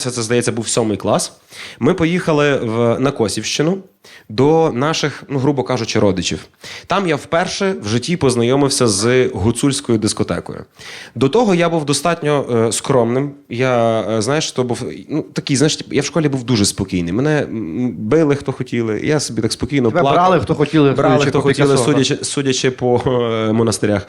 Це, здається, був 7 клас. Ми поїхали на Косівщину до наших, грубо кажучи, родичів. Там я вперше в житті познайомився з гуцульською дискотекою. До того я був достатньо скромним. Я, то був такий, я в школі був дуже спокійний. Мене били, хто хотіли, я собі так спокійно плакав. Брали, хто хотіли, судячи по монастирях.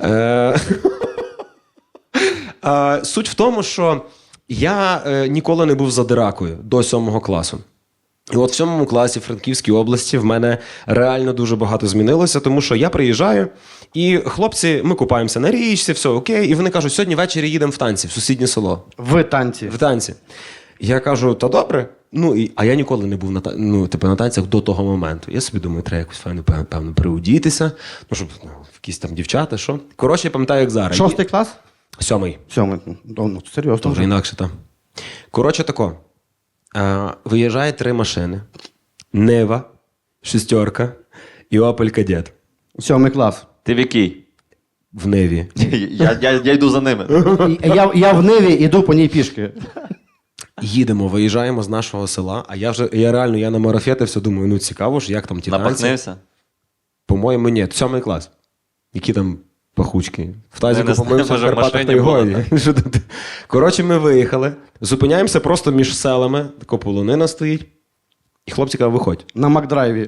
Суть в тому, що я ніколи не був задиракою до 7 класу. І от в 7 класі в Франківській області в мене реально дуже багато змінилося, тому що я приїжджаю, і хлопці, ми купаємося на річці, все окей, і вони кажуть, сьогодні ввечері їдемо в танці, в сусіднє село. В танці? В танці. Я кажу, та добре. А я ніколи не був на танцях до того моменту. Я собі думаю, треба якось файно, певно, приудітися, щоб якісь там дівчата, що. Коротше, я пам'ятаю, як зараз. 6 клас? 7. 7. Серйозно. Вже інакше там. Коротше тако. Виїжджає 3 машини. Нива, 6 і Opel Kadett. 7 клас. Ти в який? В Ниві. Я йду за ними. Я в Ниві іду по ній пішки. Їдемо, виїжджаємо з нашого села, а я намарафетився, думаю, цікаво ж, як там ті танці. Напахнився? По-моєму, ні. 7 клас. Які там пахучки. В тазіку не помився, знаю, в Карпатах та й годі. Коротше, ми виїхали, зупиняємося просто між селами, така полонина стоїть, і хлопці кажуть, виходь. На Макдрайві.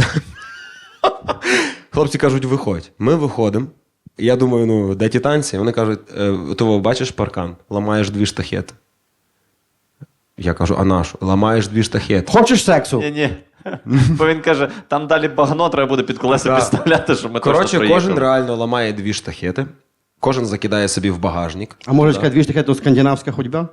Хлопці кажуть, виходь. Ми виходимо. Я думаю, де ті танці? Вони кажуть, ти бачиш паркан? Ламаєш 2 штахети. Я кажу, а нашу? Ламаєш 2 штахети. Хочеш сексу? Ні. Бо він каже, там далі багно треба буде під колеса підставляти, щоб ми точно приїхали. Коротше, кожен реально ламає 2 штахети. Кожен закидає собі в багажник. А може сказати, 2 штахети – то скандинавська ходьба?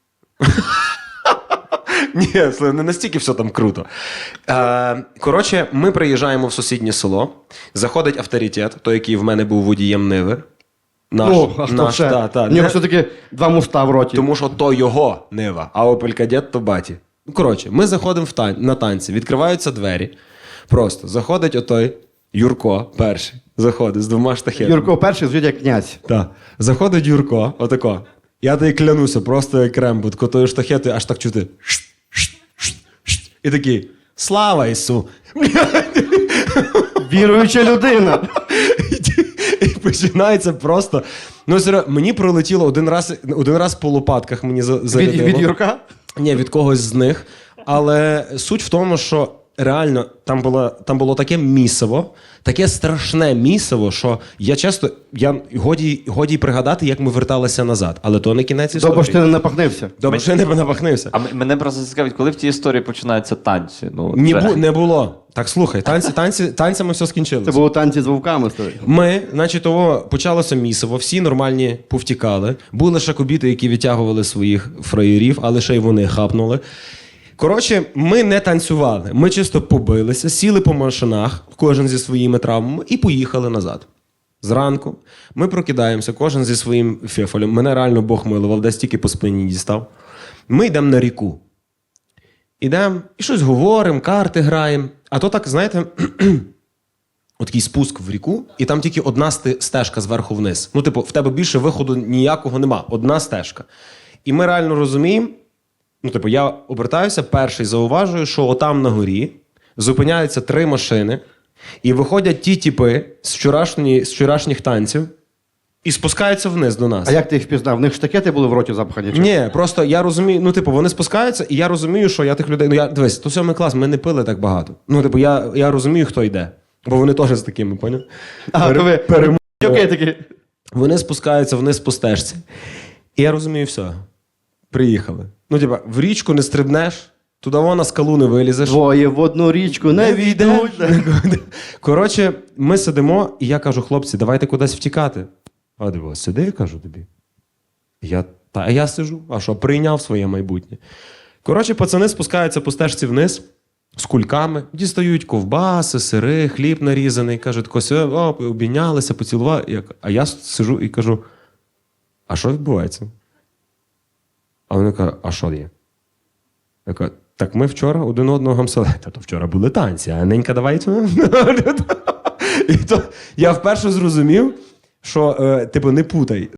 Ні, не настільки все там круто. Коротше, ми приїжджаємо в сусіднє село, заходить авторитет, той, який в мене був водієм Ниви. Наш. У нього все-таки 2 муста в роті. Тому що то його Нива, а Opel Kadett то баті. Коротше, ми заходимо на танці, відкриваються двері. Просто заходить отой Юрко перший, заходить з 2 штахетами. Юрко перший звуть як князь. Так. Заходить Юрко, отако. Я тобі клянуся, просто як Рембо, такою штахетою аж так чути. І такий, слава Ісу! Віруюча людина. І починається просто. Мені пролетіло один раз по лопатках мені зарядило. Від Юрка? Ні, від когось з них. Але суть в тому, що реально там було таке місиво, таке страшне місиво, що годі пригадати, як ми верталися назад. Але то не кінець історії. Добре, що ти не напахнився. Добре, що я не напахнився. А мене просто цікавить, коли в тій історії починаються танці? Не було. Так, слухай, танцями все скінчилося. Це було танці з вовками. Ми, почалося місиво, всі нормальні повтікали. Були ще кобіти, які відтягували своїх фраєрів, але ще й вони хапнули. Коротше, ми не танцювали. Ми чисто побилися, сіли по машинах, кожен зі своїми травмами, і поїхали назад. Зранку ми прокидаємося, кожен зі своїм фефолем. Мене реально Бог милував, десь тільки по спині дістав. Ми йдемо на ріку. Ідемо і щось говоримо, карти граємо. А то так, знаєте, такий спуск в ріку, і там тільки одна стежка зверху вниз. В тебе більше виходу ніякого нема. Одна стежка. І ми реально розуміємо, я обертаюся, перший зауважую, що отам на горі зупиняються 3 машини, і виходять ті тіпи з вчорашніх танців і спускаються вниз до нас. А як ти їх впізнав? В них штакети були в роті запхані? Ні, просто я розумію, вони спускаються, і я розумію, що я тих людей... Дивись, то 7 клас, ми не пили так багато. Я розумію, хто йде. Бо вони теж з такими, поняв? Вони спускаються вниз по стежці. І я розумію, все. Приїхали. В річку не стрибнеш, туди на скалу не вилізеш. Двоє в одну річку не війдуть. Коротше, ми сидимо, і я кажу, хлопці, давайте кудись втікати. А диво, сиди, я кажу тобі. А я сижу. А що, прийняв своє майбутнє. Коротше, пацани спускаються по стежці вниз з кульками, дістають ковбаси, сири, хліб нарізаний. Кажуть, обійнялися, поцілували. А я сижу і кажу, а що відбувається? А вони кажуть, а що є? Я кажу, так ми вчора один одного гамсали. Та то вчора були танці, а ненька давай. І то я вперше зрозумів, що, не путай.